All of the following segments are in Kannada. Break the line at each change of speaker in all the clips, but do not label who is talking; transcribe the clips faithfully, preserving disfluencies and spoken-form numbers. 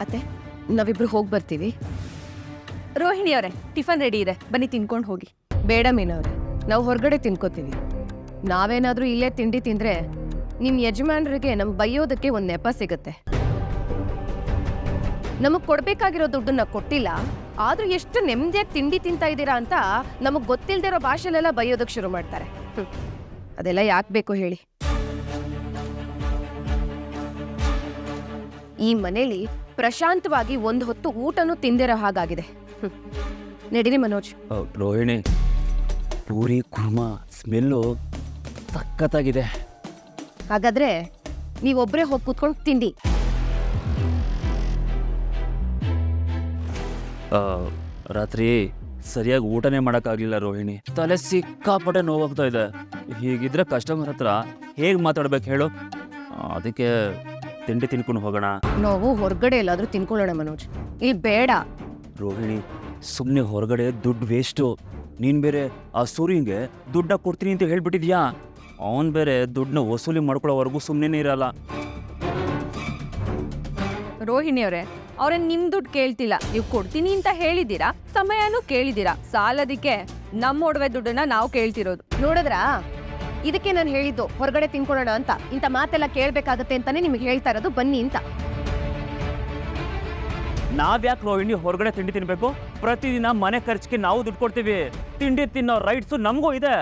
ಅತ್ತೆ ನಾವಿಬ್ರು ಹೋಗಿ ಬರ್ತೀವಿ.
ರೋಹಿಣಿ ಅವರೇ, ಟಿಫನ್ ರೆಡಿ ಇದೆ, ಬನ್ನಿ ತಿನ್ಕೊಂಡು ಹೋಗಿ.
ಬೇಡ ಮೀನವ್ರೆ, ನಾವು ಹೊರಗಡೆ ತಿನ್ಕೋತೀವಿ. ನಾವೇನಾದ್ರೂ ಇಲ್ಲೇ ತಿಂಡಿ ತಿಂದ್ರೆ ನಿಮ್ ಯಜಮಾನರಿಗೆ ನಮ್ ಬೈಯೋದಕ್ಕೆ ಒಂದ್ ನೆಪ ಸಿಗತ್ತೆ. ನಮಗ್ ಕೊಡ್ಬೇಕಾಗಿರೋ ದುಡ್ಡನ್ನ ಕೊಟ್ಟಿಲ್ಲ, ಆದ್ರೂ ಎಷ್ಟು ನೆಮ್ಮದಿಯಾಗಿ ತಿಂಡಿ ತಿಂತಾ ಇದ್ದೀರಾ ಅಂತ ನಮಗ್ ಗೊತ್ತಿಲ್ದಿರೋ ಭಾಷೆಲೆಲ್ಲ ಬೈಯೋದಕ್ಕೆ ಶುರು ಮಾಡ್ತಾರೆ. ಹ್ಮ್. ಅದೆಲ್ಲ ಯಾಕೆ ಬೇಕು ಹೇಳಿ? ಈ ಮನೇಲಿ ಪ್ರಶಾಂತವಾಗಿ ಒಂದ್ ಹೊತ್ತು ಊಟನೂ ತಿಂದಿರೋ ಹಾಗಾಗಿದೆ. ಹ್ಮ್. ನಡೀರಿ ಮನೋಜ್.
ರೋಹಿಣಿ, ಪೂರಿ ಕುರ್ಮಾ ಸ್ಮೆಲ್ಲು ಸಖತ್ತಾಗಿದೆ.
ಹಾಗಾದ್ರೆ ನೀವೊಬ್ರೇ ಹೋಗಿ ಕೂತ್ಕೊಂಡು ತಿಂಡಿ.
ರಾತ್ರಿ ಸರಿಯಾಗಿ ಊಟನೇ ಮಾಡೋಕ್ಕಾಗಲಿಲ್ಲ ರೋಹಿಣಿ. ತಲೆ ಸಿಕ್ಕಾಪಟ್ಟೆ ನೋವಾಗ್ತಾ ಇದೆ. ಹೀಗಿದ್ರೆ ಕಸ್ಟಮರ್ ಹತ್ರ ಹೇಗೆ ಮಾತಾಡ್ಬೇಕು ಹೇಳು? ಅದಕ್ಕೆ ತಿಂಡಿ ತಿನ್ಕೊಂಡು ಹೋಗೋಣ.
ನಾವು ಹೊರಗಡೆ ಎಲ್ಲಾದ್ರೂ ತಿನ್ಕೊಳ್ಳೋಣ ಮನೋಜ್, ಇಲ್ಲಿ ಬೇಡ.
ರೋಹಿಣಿ, ಸುಮ್ಮನೆ ಹೊರಗಡೆ ದುಡ್ಡು ವೇಸ್ಟು. ನೀನು ಬೇರೆ ಆ ಸೂರ್ಯಂಗೆ ದುಡ್ಡ ಕೊಡ್ತೀನಿ ಅಂತ ಹೇಳ್ಬಿಟ್ಟಿದ್ಯಾ. ಅವನು ಬೇರೆ ದುಡ್ಡನ್ನ ವಸೂಲಿ ಮಾಡ್ಕೊಳ್ಳೋವರೆಗೂ ಸುಮ್ಮನೆ ಇರಲ್ಲ.
ರೋಹಿಣಿ ಅವರೇ, ಅವ್ರನ್ನ ನಿಮ್ ದುಡ್ಡು ಕೇಳ್ತಿಲ್ಲ, ನೀವು ಕೊಡ್ತೀನಿ ಅಂತ ಹೇಳಿದ್ದೀರಾ, ಸಮಯನೂ ಕೇಳಿದ್ದೀರಾ. ಸಾಲದಿಕ್ಕೆ ನಮ್ಮ ಒಡವೆ ದುಡ್ಡನ್ನ ನಾವು ಕೇಳ್ತಿರೋದು.
ನೋಡಿದ್ರಾ? ಇದಕ್ಕೆ ನಾನು ಹೇಳಿದ್ದು ಹೊರಗಡೆ ತಿನ್ಕೊಳ್ಳೋಣ ಅಂತ. ಇಂಥ ಮಾತೆಲ್ಲ ಕೇಳ್ಬೇಕಾಗತ್ತೆ ಅಂತಾನೆ ನಿಮ್ಗೆ ಹೇಳ್ತಾ ಇರೋದು, ಬನ್ನಿ ಅಂತ.
ನಾವ್ಯಾಕೆ ರೋಹಿಣಿ ಹೊರಗಡೆ ತಿಂಡಿ ತಿನ್ಬೇಕು? ಪ್ರತಿದಿನ ಮನೆ ಖರ್ಚಿಗೆ ನಾವು ದುಡ್ಡು ಕೊಡ್ತೀವಿ. ತಿಂಡಿ ತಿನ್ನೋ ರೈಟ್ಸು ನಮಗೂ ಇದೆ.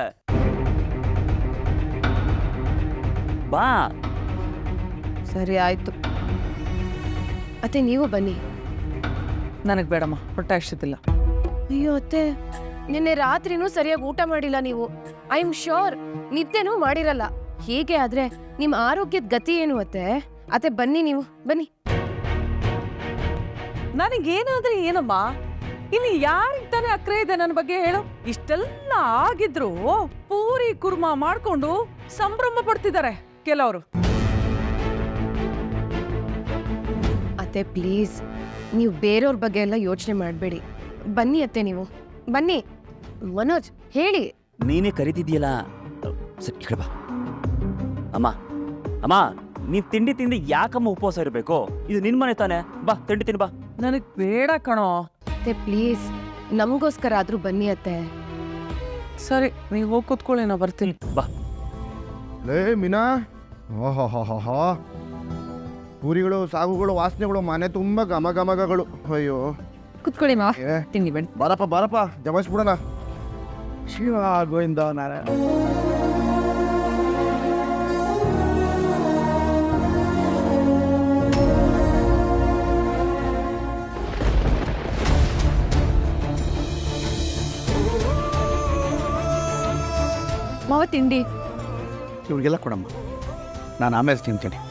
ಬಾ.
ಸರಿ ಆಯ್ತು. ಅತ್ತೆ ನೀವು ಬನ್ನಿ.
ನನಗೆ ಬೇಡಮ್ಮ, ಹೊಟ್ಟೆ ಅಷ್ಟೊತ್ತಿಲ್ಲ.
ಅಯ್ಯೋ ಅತ್ತೆ, ನಿನ್ನೆ ರಾತ್ರಿನೂ ಸರಿಯಾಗಿ ಊಟ ಮಾಡಿಲ್ಲ ನೀವು. ಐ ಆಮ್ ಶೋರ್ ನಿದ್ದೆನೂ ಮಾಡಿರಲ್ಲ. ಹೀಗೆ ಆದ್ರೆ ನಿಮ್ ಆರೋಗ್ಯದ ಗತಿ ಏನು ಅತ್ತೆ? ಅತ್ತೆ ಬನ್ನಿ, ನೀವು ಬನ್ನಿ.
ನನಗೇನಾದ್ರೆ ಏನಮ್ಮ, ಇಲ್ಲಿ ಯಾರಿಗೆ ತಾನೇ ಅಕ್ರೆ ಇದೆ ನನ್ನ ಬಗ್ಗೆ ಹೇಳು? ಇಷ್ಟೆಲ್ಲ ಆಗಿದ್ರು ಪೂರಿ ಕುರ್ಮಾ ಮಾಡ್ಕೊಂಡು ಸಂಭ್ರಮ ಪಡ್ತಿದ್ದಾರೆ ಕೆಲವರು.
ಅತ್ತೆ ಪ್ಲೀಸ್, ನೀವು ಬೇರೆಯವ್ರ ಬಗ್ಗೆ ಎಲ್ಲ ಯೋಚನೆ ಮಾಡಬೇಡಿ. ಬನ್ನಿ ಅತ್ತೆ, ನೀವು ಬನ್ನಿ. ಮನೋಜ್ ಹೇಳಿ.
ನೀನೇ ಕರಿತಿದ್ಯಲ್ಲ, ಸರಿ ಕೇಳ್ಬಾ. ಅಮ್ಮ ಅಮ್ಮ ನೀವ್ ತಿಂಡಿ ತಿಂದು ಯಾಕಮ್ಮ ಉಪವಾಸ ಇರಬೇಕು? ಇದು ನಿನ್ ಮನೆ ತಾನೆ, ಬಾ ತಿಂಡಿ ತಿನ್ ಬಾ.
ನನಗ್ ಬೇಡ ಕಣೋ.
ಅತ್ತೆ ಪ್ಲೀಸ್, ನಮಗೋಸ್ಕರ ಆದ್ರೂ ಬನ್ನಿ ಅತ್ತೆ.
ಸರಿ, ನೀವು ಹೋಗಿ ಕೂತ್ಕೊಳ್ಳಿ, ನಾ ಬರ್ತೀನಿ.
ಬಾ.
ಲೇ ಮೀನಾ, ಓಹೋ, ಪೂರಿಗಳು ಸಾಗುಗಳು ವಾಸನೆಗಳು ಮನೆ ತುಂಬ ಘಮ ಘಮಗಳು. ಅಯ್ಯೋ
ಕುತ್ಕೊಳ್ಳಿ ಮಾವ,
ಏ
ತಿಂಡಿ ಬನ್ನಿ.
ಬಾರಪ್ಪ ಬಾರಪ್ಪ, ಜಮಾಯಿಸ್ಬಿಡೋಣ. ಶಿವ ಗೋವಿಂದ ನಾರಾಯಣ.
ಮಾವ ತಿಂಡಿ.
ಇವ್ರಿಗೆಲ್ಲ ಕೊಡಮ್ಮ, ನಾನು ಆಮೇಲೆ ತಿಂತೀನಿ.